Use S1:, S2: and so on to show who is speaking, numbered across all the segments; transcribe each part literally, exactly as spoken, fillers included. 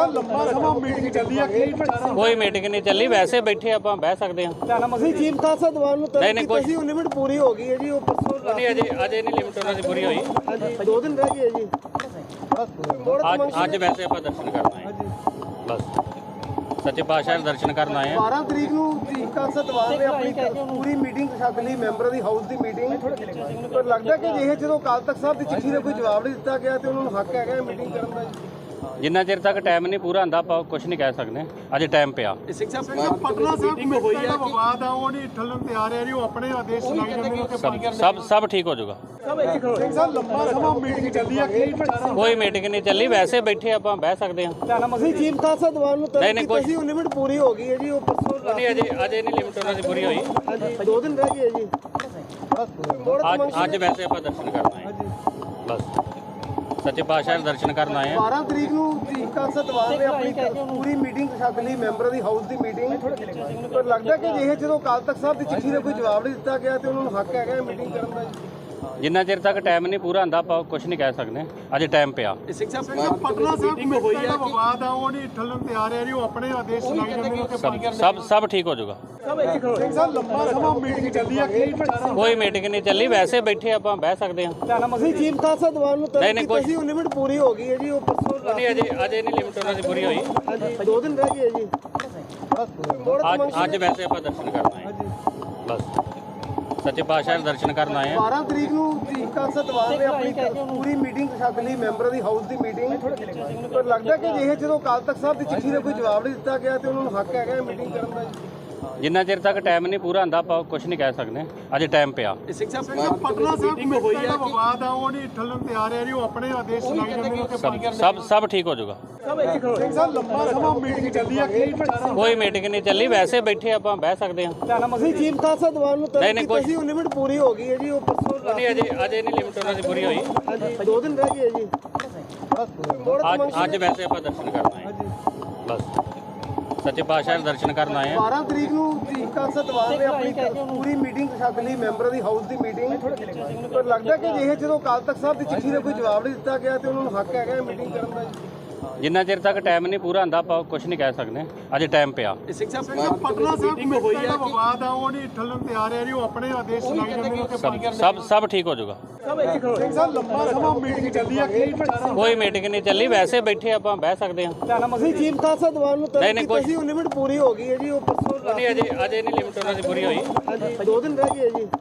S1: ਲੰਬਾ ਸਮਾਂ ਮੀਟਿੰਗ ਚੱਲੀ ਆ ਕੀ
S2: ਕੋਈ ਮੀਟਿੰਗ ਨਹੀਂ ਚੱਲੀ, ਵੈਸੇ ਬੈਠੇ ਆਪਾਂ ਬਹਿ ਸਕਦੇ ਹਾਂ।
S3: ਅਸੀਂ ਚੀਫ ਖਾਲਸਾ ਦੀਵਾਨ ਨੂੰ
S2: ਨਹੀਂ ਨਹੀਂ ਕੋਈ
S3: ਲਿਮਿਟ ਪੂਰੀ ਹੋ ਗਈ ਹੈ ਜੀ, ਉਹ ਪਰਸੋਂ
S2: ਨਹੀਂ, ਅਜੇ ਅਜੇ ਨਹੀਂ ਲਿਮਟ ਉਹਨਾਂ ਦੀ ਪੂਰੀ ਹੋਈ।
S3: ਹਾਂਜੀ ਦੋ ਦਿਨ ਰਹਿ ਗਏ ਜੀ।
S2: ਅੱਜ ਅੱਜ ਵੈਸੇ ਆਪਾਂ ਦਰਸ਼ਨ ਕਰਨ ਆਏ ਬਸ, ਸੱਚੇ ਪਾਤਸ਼ਾਹ ਦੇ ਦਰਸ਼ਨ ਕਰਨ ਆਏ ਆ।
S3: ਬਾਰਾਂ ਤਰੀਕ ਨੂੰ ਚੀਫ ਖਾਲਸਾ ਦੀਵਾਨ ਨੇ ਆਪਣੀ ਪੂਰੀ ਮੀਟਿੰਗ ਸੱਦ ਲਈ, ਮੈਂਬਰਾਂ ਦੀ ਹਾਊਸ ਦੀ ਮੀਟਿੰਗ। ਪਰ ਲੱਗਦਾ ਕਿ ਜੇ ਜਦੋਂ ਅਕਾਲ ਤਖਤ ਸਾਹਿਬ ਦੀ ਚਿੱਠੀ ਦਾ ਕੋਈ ਜਵਾਬ ਨਹੀਂ ਦਿੱਤਾ ਗਿਆ ਤੇ ਉਹਨਾਂ ਨੂੰ ਹੱਕ ਹੈਗਾ ਮੀਟਿੰਗ ਕਰਨ ਦਾ।
S2: ਜਿੰਨਾ ਚਿਰ ਤੱਕ ਟਾਈਮ ਨਹੀਂ ਪੂਰਾ ਹੁੰਦਾ ਆਪਾਂ ਕੁਝ ਨਹੀਂ ਕਹਿ ਸਕਦੇ, ਅਜੇ ਟਾਈਮ ਪਿਆ।
S1: ਸਿੰਘ ਸਾਹਿਬ ਪਟਨਾ ਸਾਹਿਬ ਹੋਈ ਆ ਵਿਵਾਦ ਆ, ਉਹ ਨਹੀਂ ਠੱਲਣ ਤੇ ਆ ਰਿਹਾ ਜੀ, ਉਹ ਆਪਣੇ ਆਦੇਸ਼ ਸੁਣਾਈ ਜਾਂਦੇ ਨੇ ਕਿ
S2: ਸਭ ਸਭ ਸਭ ਠੀਕ ਹੋ ਜਾਊਗਾ।
S1: ਸਿੰਘ ਸਾਹਿਬ ਲੰਬਾ ਸਮਾਂ ਮੀਟਿੰਗ ਚੱਲੀ ਆ ਕੀ
S2: ਕੋਈ ਮੀਟਿੰਗ ਨਹੀਂ ਚੱਲੀ, ਵੈਸੇ ਬੈਠੇ ਆਪਾਂ ਬਹਿ ਸਕਦੇ ਹਾਂ।
S3: ਅਸੀਂ ਚੀਫ ਖਾਲਸਾ ਦੀਵਾਨ ਨੂੰ
S2: ਨਹੀਂ ਨਹੀਂ ਕੋਈ
S3: ਲਿਮਿਟ ਪੂਰੀ ਹੋ ਗਈ ਹੈ ਜੀ, ਉਹ ਪਰਸੋਂ
S2: ਨਹੀਂ, ਅਜੇ ਅਜੇ ਨਹੀਂ ਲਿਮਟ ਉਹਨਾਂ ਦੀ ਪੂਰੀ ਹੋਈ।
S3: ਹਾਂਜੀ ਦੋ ਦਿਨ ਰਹਿ ਗਏ ਜੀ।
S2: ਅੱਜ ਅੱਜ ਵੈਸੇ ਆਪਾਂ ਦਰਸ਼ਨ ਕਰਨ ਆਏ ਬਸ, ਸੱਚੇ ਪਾਤਸ਼ਾਹ ਦੇ ਦਰਸ਼ਨ ਕਰਨ ਆਏ ਆ।
S3: ਬਾਰਾਂ ਤਰੀਕ ਨੂੰ ਚੀਫ ਖਾਲਸਾ ਦੀਵਾਨ ਨੇ ਆਪਣੀ ਪੂਰੀ ਮੀਟਿੰਗ ਸੱਦ ਲਈ, ਮੈਂਬਰਾਂ ਦੀ ਹਾਊਸ ਦੀ ਮੀਟਿੰਗ। ਪਰ ਲੱਗਦਾ ਕਿ ਜੇ ਜਦੋਂ ਅਕਾਲ ਤਖਤ ਸਾਹਿਬ ਦੀ ਚਿੱਠੀ ਦਾ ਕੋਈ ਜਵਾਬ ਨਹੀਂ ਦਿੱਤਾ ਗਿਆ ਤੇ ਉਹਨਾਂ ਨੂੰ ਹੱਕ ਹੈਗਾ ਮੀਟਿੰਗ ਕਰਨ ਦਾ।
S2: ਜਿੰਨਾ ਚਿਰ ਤੱਕ ਟਾਈਮ ਨਹੀਂ ਪੂਰਾ ਹੁੰਦਾ ਆਪਾਂ ਕੁਝ ਨਹੀਂ ਕਹਿ ਸਕਦੇ, ਅਜੇ ਟਾਈਮ ਪਿਆ।
S1: ਸਿੰਘ ਸਾਹਿਬ ਪਟਨਾ ਸਾਹਿਬ ਹੋਈ ਆ ਵਿਵਾਦ ਆ, ਉਹ ਨਹੀਂ ਠੱਲਣ ਤੇ ਆ ਰਿਹਾ ਜੀ, ਉਹ ਆਪਣੇ ਆਦੇਸ਼ ਸੁਣਾਈ ਜਾਂਦੇ ਨੇ ਕਿ
S2: ਸਭ ਸਭ ਸਭ ਠੀਕ ਹੋ ਜਾਊਗਾ।
S1: ਸਿੰਘ ਸਾਹਿਬ ਲੰਬਾ ਸਮਾਂ ਮੀਟਿੰਗ ਚੱਲੀ ਆ ਕੀ
S2: ਕੋਈ ਮੀਟਿੰਗ ਨਹੀਂ ਚੱਲੀ, ਵੈਸੇ ਬੈਠੇ ਆਪਾਂ ਬਹਿ ਸਕਦੇ ਹਾਂ।
S3: ਅਸੀਂ ਚੀਫ ਖਾਲਸਾ ਦੀਵਾਨ ਨੂੰ
S2: ਨਹੀਂ ਨਹੀਂ ਕੋਈ
S3: ਲਿਮਿਟ ਪੂਰੀ ਹੋ ਗਈ ਹੈ ਜੀ, ਉਹ ਪਰਸੋਂ
S2: ਨਹੀਂ, ਅਜੇ ਅਜੇ ਨਹੀਂ ਲਿਮਟ ਉਹਨਾਂ ਦੀ ਪੂਰੀ ਹੋਈ।
S3: ਹਾਂਜੀ ਦੋ ਦਿਨ ਰਹਿ ਗਏ ਜੀ।
S2: ਅੱਜ ਅੱਜ ਵੈਸੇ ਆਪਾਂ ਦਰਸ਼ਨ ਕਰਨ ਆਏ ਬਸ, ਸੱਚੇ ਪਾਤਸ਼ਾਹ ਦੇ ਦਰਸ਼ਨ ਕਰਨ ਆਏ ਆ।
S3: ਬਾਰਾਂ ਤਰੀਕ ਨੂੰ ਚੀਫ ਖਾਲਸਾ ਦੀਵਾਨ ਨੇ ਆਪਣੀ ਪੂਰੀ ਮੀਟਿੰਗ ਸੱਦ ਲਈ, ਮੈਂਬਰਾਂ ਦੀ ਹਾਊਸ ਦੀ ਮੀਟਿੰਗ। ਪਰ ਲੱਗਦਾ ਕਿ ਜੇ ਜਦੋਂ ਅਕਾਲ ਤਖਤ ਸਾਹਿਬ ਦੀ ਚਿੱਠੀ ਦਾ ਕੋਈ ਜਵਾਬ ਨਹੀਂ ਦਿੱਤਾ ਗਿਆ ਤੇ ਉਹਨਾਂ ਨੂੰ ਹੱਕ ਹੈਗਾ ਮੀਟਿੰਗ ਕਰਨ ਦਾ।
S2: ਜਿੰਨਾ ਚਿਰ ਤੱਕ ਟਾਈਮ ਨਹੀਂ ਪੂਰਾ ਹੁੰਦਾ ਆਪਾਂ ਕੁਝ ਨਹੀਂ ਕਹਿ ਸਕਦੇ, ਅਜੇ ਟਾਈਮ ਪਿਆ।
S1: ਸਿੰਘ ਸਾਹਿਬ ਪਟਨਾ ਸਾਹਿਬ ਹੋਈ ਆ ਵਿਵਾਦ ਆ, ਉਹ ਨਹੀਂ ਠੱਲਣ ਤੇ ਆ ਰਿਹਾ ਜੀ, ਉਹ ਆਪਣੇ ਆਦੇਸ਼ ਸੁਣਾਈ ਜਾਂਦੇ ਨੇ ਕਿ
S2: ਸਭ ਸਭ ਸਭ ਠੀਕ ਹੋ ਜਾਊਗਾ।
S1: ਸਿੰਘ ਸਾਹਿਬ ਲੰਬਾ ਸਮਾਂ ਮੀਟਿੰਗ ਚੱਲੀ ਆ ਕੀ
S2: ਕੋਈ ਮੀਟਿੰਗ ਨਹੀਂ ਚੱਲੀ, ਵੈਸੇ ਬੈਠੇ ਆਪਾਂ ਬਹਿ ਸਕਦੇ ਹਾਂ।
S3: ਅਸੀਂ ਚੀਫ ਖਾਲਸਾ ਦੀਵਾਨ ਨੂੰ
S2: ਨਹੀਂ ਨਹੀਂ ਕੋਈ
S3: ਲਿਮਿਟ ਪੂਰੀ ਹੋ ਗਈ ਹੈ ਜੀ, ਉਹ ਪਰਸੋਂ
S2: ਨਹੀਂ, ਅਜੇ ਅਜੇ ਨਹੀਂ ਲਿਮਟ ਉਹਨਾਂ ਦੀ ਪੂਰੀ ਹੋਈ।
S3: ਹਾਂਜੀ ਦੋ ਦਿਨ ਰਹਿ ਗਏ ਜੀ।
S2: ਅੱਜ ਅੱਜ ਵੈਸੇ ਆਪਾਂ ਦਰਸ਼ਨ ਕਰਨ ਆਏ ਬਸ, ਸੱਚੇ ਪਾਤਸ਼ਾਹ ਦੇ ਦਰਸ਼ਨ ਕਰਨ ਆਏ ਆ।
S3: ਬਾਰਾਂ ਤਰੀਕ ਨੂੰ ਚੀਫ ਖਾਲਸਾ ਦੀਵਾਨ ਨੇ ਆਪਣੀ ਪੂਰੀ ਮੀਟਿੰਗ ਸੱਦ ਲਈ, ਮੈਂਬਰਾਂ ਦੀ ਹਾਊਸ ਦੀ ਮੀਟਿੰਗ। ਪਰ ਲੱਗਦਾ ਕਿ ਜੇ ਜਦੋਂ ਅਕਾਲ ਤਖਤ ਸਾਹਿਬ ਦੀ ਚਿੱਠੀ ਦਾ ਕੋਈ ਜਵਾਬ ਨਹੀਂ ਦਿੱਤਾ ਗਿਆ ਤੇ ਉਹਨਾਂ ਨੂੰ ਹੱਕ ਹੈਗਾ ਮੀਟਿੰਗ ਕਰਨ ਦਾ।
S2: ਜਿੰਨਾ ਚਿਰ ਤੱਕ ਟਾਈਮ ਨਹੀਂ ਪੂਰਾ ਹੁੰਦਾ ਆਪਾਂ ਕੁਝ ਨਹੀਂ ਕਹਿ ਸਕਦੇ, ਅਜੇ ਟਾਈਮ ਪਿਆ।
S1: ਸਿੰਘ ਸਾਹਿਬ ਪਟਨਾ ਸਾਹਿਬ ਹੋਈ ਆ ਵਿਵਾਦ ਆ, ਉਹ ਨਹੀਂ ਠੱਲਣ ਤੇ ਆ ਰਿਹਾ ਜੀ, ਉਹ ਆਪਣੇ ਆਦੇਸ਼ ਸੁਣਾਈ ਜਾਂਦੇ ਨੇ ਕਿ
S2: ਸਭ ਸਭ ਸਭ ਠੀਕ ਹੋ ਜਾਊਗਾ।
S1: ਸਿੰਘ ਸਾਹਿਬ ਲੰਬਾ ਸਮਾਂ ਮੀਟਿੰਗ ਚੱਲੀ ਆ ਕੀ
S2: ਕੋਈ ਮੀਟਿੰਗ ਨਹੀਂ ਚੱਲੀ, ਵੈਸੇ ਬੈਠੇ ਆਪਾਂ ਬਹਿ ਸਕਦੇ ਹਾਂ।
S3: ਅਸੀਂ ਚੀਫ ਖਾਲਸਾ ਦੀਵਾਨ ਨੂੰ
S2: ਨਹੀਂ ਨਹੀਂ ਕੋਈ
S3: ਲਿਮਿਟ ਪੂਰੀ ਹੋ ਗਈ ਹੈ ਜੀ, ਉਹ ਪਰਸੋਂ
S2: ਨਹੀਂ, ਅਜੇ ਅਜੇ ਨਹੀਂ ਲਿਮਟ ਉਹਨਾਂ ਦੀ ਪੂਰੀ ਹੋਈ।
S3: ਹਾਂਜੀ ਦੋ ਦਿਨ ਰਹਿ ਗਏ ਜੀ।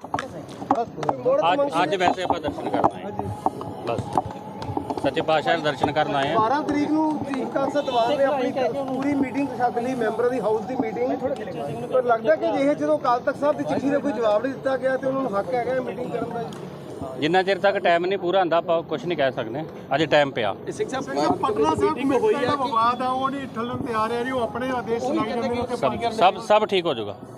S2: ਅੱਜ ਅੱਜ ਵੈਸੇ ਆਪਾਂ ਦਰਸ਼ਨ ਕਰਨ ਆਏ ਬਸ, ਸੱਚੇ ਪਾਤਸ਼ਾਹ ਦੇ ਦਰਸ਼ਨ ਕਰਨ ਆਏ ਆ।
S3: ਬਾਰਾਂ ਤਰੀਕ ਨੂੰ ਚੀਫ ਖਾਲਸਾ ਦੀਵਾਨ ਨੇ ਆਪਣੀ ਪੂਰੀ ਮੀਟਿੰਗ ਸੱਦ ਲਈ, ਮੈਂਬਰਾਂ ਦੀ ਹਾਊਸ ਦੀ ਮੀਟਿੰਗ। ਪਰ ਲੱਗਦਾ ਕਿ ਜੇ ਜਦੋਂ ਅਕਾਲ ਤਖਤ ਸਾਹਿਬ ਦੀ ਚਿੱਠੀ ਦਾ ਕੋਈ ਜਵਾਬ ਨਹੀਂ ਦਿੱਤਾ ਗਿਆ ਤੇ ਉਹਨਾਂ ਨੂੰ ਹੱਕ ਹੈਗਾ ਮੀਟਿੰਗ ਕਰਨ ਦਾ।
S2: ਜਿੰਨਾ ਚਿਰ ਤੱਕ ਟਾਈਮ ਨਹੀਂ ਪੂਰਾ ਹੁੰਦਾ ਆਪਾਂ ਕੁਝ ਨਹੀਂ ਕਹਿ ਸਕਦੇ, ਅਜੇ ਟਾਈਮ ਪਿਆ।
S1: ਸਿੰਘ ਸਾਹਿਬ ਪਟਨਾ ਸਾਹਿਬ ਹੋਈ ਆ ਵਿਵਾਦ ਆ, ਉਹ ਨਹੀਂ ਠੱਲਣ ਤੇ ਆ ਰਿਹਾ ਜੀ, ਉਹ ਆਪਣੇ ਆਦੇਸ਼ ਸੁਣਾਈ ਜਾਂਦੇ ਨੇ ਕਿ
S2: ਸਭ ਸਭ ਸਭ ਠੀਕ ਹੋ ਜਾਊਗਾ।